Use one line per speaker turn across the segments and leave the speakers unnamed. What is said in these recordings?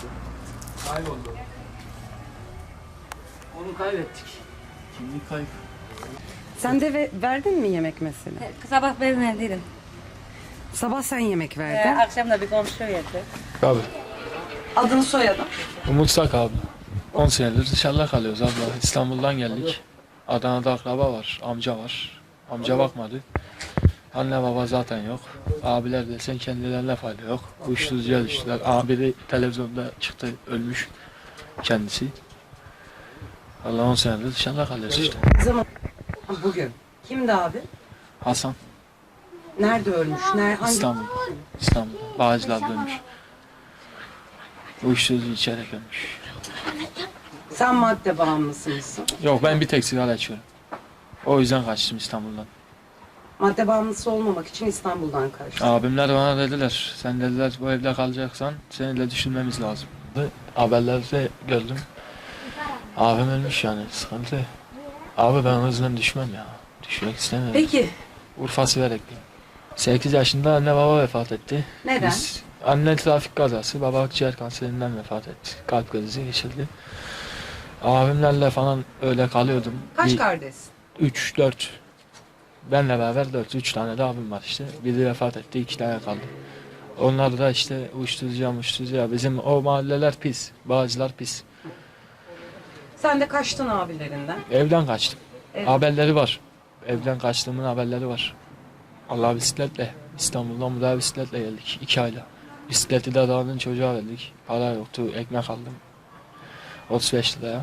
Kayboldu. Onu kaybettik. Kimlik kayıp.
Sen de verdin mi yemek mesela?
Sabah vermediydim.
Sabah sen yemek verdin.
Akşam da bir komşu verdi.
Abi.
Adını soyadın.
Umut Sak abla. 10 senedir dışarıda kalıyoruz abla. İstanbul'dan geldik. Adana'da akraba var, amca var. Amca bakmadı. Anne baba zaten yok. Abiler desen kendilerine fayda yok. Uyuşturucuya düştüler. Abi de televizyonda çıktı, ölmüş kendisi. Allah 10 senedir dışarıda kalıyoruz işte.
Zaman. Bugün. Kimdi abi?
Hasan,
Nerede ölmüş? Hangi?
İstanbul'da. Bağcılar'da ölmüş. Uyuşturucu içerek ölmüş.
Sen madde bağımlısı mısın?
Yok, ben bir tek sigara içiyorum. O yüzden kaçtım İstanbul'dan.
Madde bağımlısı olmamak için İstanbul'dan kaçtın.
Abimler bana dediler, sen dediler bu evde kalacaksan seni de düşünmemiz lazım. Haberlerde gördüm. Abim ölmüş yani, sıkıntı. Abi ben hızla düşmem ya. Düşmek istemiyorum.
Peki.
Urfa Siverekliyim. 8 yaşında anne baba vefat etti.
Neden?
Anne trafik kazası, baba akciğer kanserinden vefat etti. Kalp krizi geçirdi. Abimlerle falan öyle kalıyordum.
Kaç kardeşsin?
3, 4. Benle beraber 4, 3 tane de abim var işte. Biri vefat etti, 2 tane kaldı. Onlar da işte uyuşturucuya. Bizim o mahalleler pis, Bağcılar pis.
Sen de kaçtın abilerinden.
Evden kaçtım.
Evet.
Haberleri var. Evden kaçtığımın haberleri var. Allah bisikletle, İstanbul'dan buraya bisikletle geldik 2 ayla. Bisikleti de dağının çocuğa verdik. Para yoktu, ekmek aldım. 35 liraya.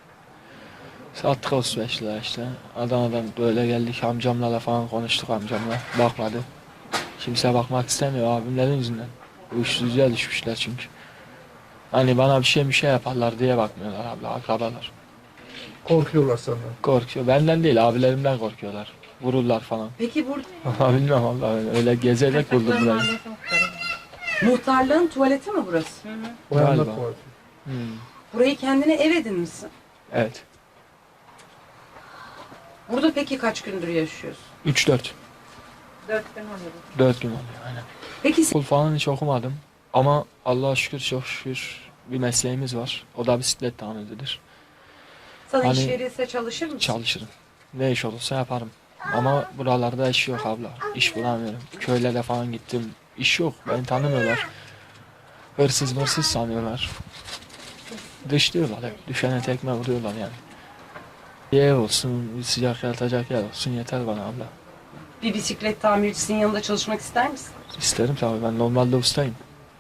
Sattık 35 lira işte. Adana'dan böyle geldik, amcamla da falan konuştuk amcamla. Bakmadı. Kimse bakmak istemiyor abimlerin yüzünden. Uyuşturucuya düşmüşler çünkü. Hani bana bir şey yaparlar diye bakmıyorlar abla, akrabalar.
Korkuyorlar senden.
Korkuyor. Benden değil, abilerimden korkuyorlar. Vururlar falan.
Peki burada
Ama bilmem Allah, öyle gezerek buldum burayı.
muhtarlığın tuvaleti mi burası?
Bayanlar
Galiba.
tuvaleti.
Burayı kendine ev edinmişsin.
Evet.
Burada peki kaç gündür yaşıyorsun?
3-4.
4 gün oluyor.
4 gün oluyor aynen.
Peki
Okul falan hiç okumadım. Ama Allah'a şükür, çok şükür bir mesleğimiz var. O da bisiklet tamircidir.
sana iş
Hani-
verilse çalışır mısın?
Çalışırım. Ne iş olursa yaparım. Ama buralarda iş yok abla. İş bulamıyorum. Köylere falan gittim. İş yok. Beni tanımıyorlar. Hırsız sanıyorlar. Dışlıyorlar hep. Düşene tekme vuruyorlar yani. Bir ev olsun, bir sıcak yatacak yer olsun yeter bana abla.
Bir bisiklet tamircisinin yanında çalışmak ister misin?
İsterim tabii, ben normalde ustayım.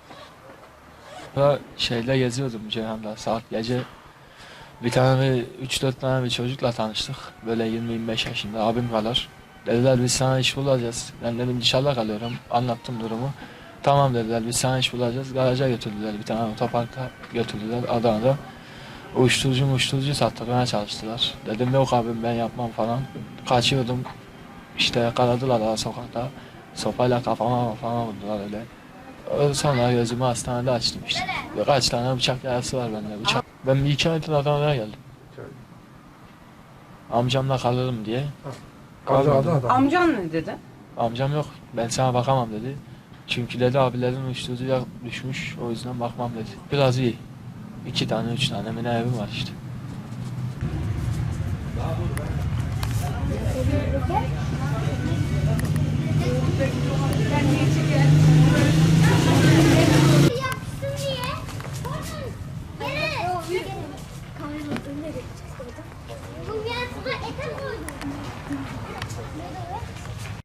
Şeyle geziyordum Ceyhan'da saat gece. Bir tane 3-4 tane bir çocukla tanıştık. Böyle 20-25 yaşında abim kadar. Dediler biz sana iş bulacağız. Ben dedim dışarıda kalıyorum. Anlattım durumu. Tamam dediler, biz sana iş bulacağız. Garaja götürdüler, bir tane otoparka götürdüler Adana'da. Uyuşturucu sattırmaya çalıştılar. Dedim yok abim ben yapmam falan. Kaçıyordum. İşte yakaladılar daha sokakta. Sopayla kafama vurdular öyle. Sonra gözümü hastanede açtım işte. Kaç tane bıçak yarası var bende, bıçak. Ben bir 2 aydır Adana'ya geldim. Amcamla kalırım diye. Kalmadım.
Amcan ne dedi?
Amcam yok, ben sana bakamam dedi. Çünkü dedi abilerin uyuşturucuya düşmüş, o yüzden bakmam dedi. Biraz iyi. 2 tane 3 tane mine evim var işte.
Yapsın diye. Kameranın önüne geçeceğiz.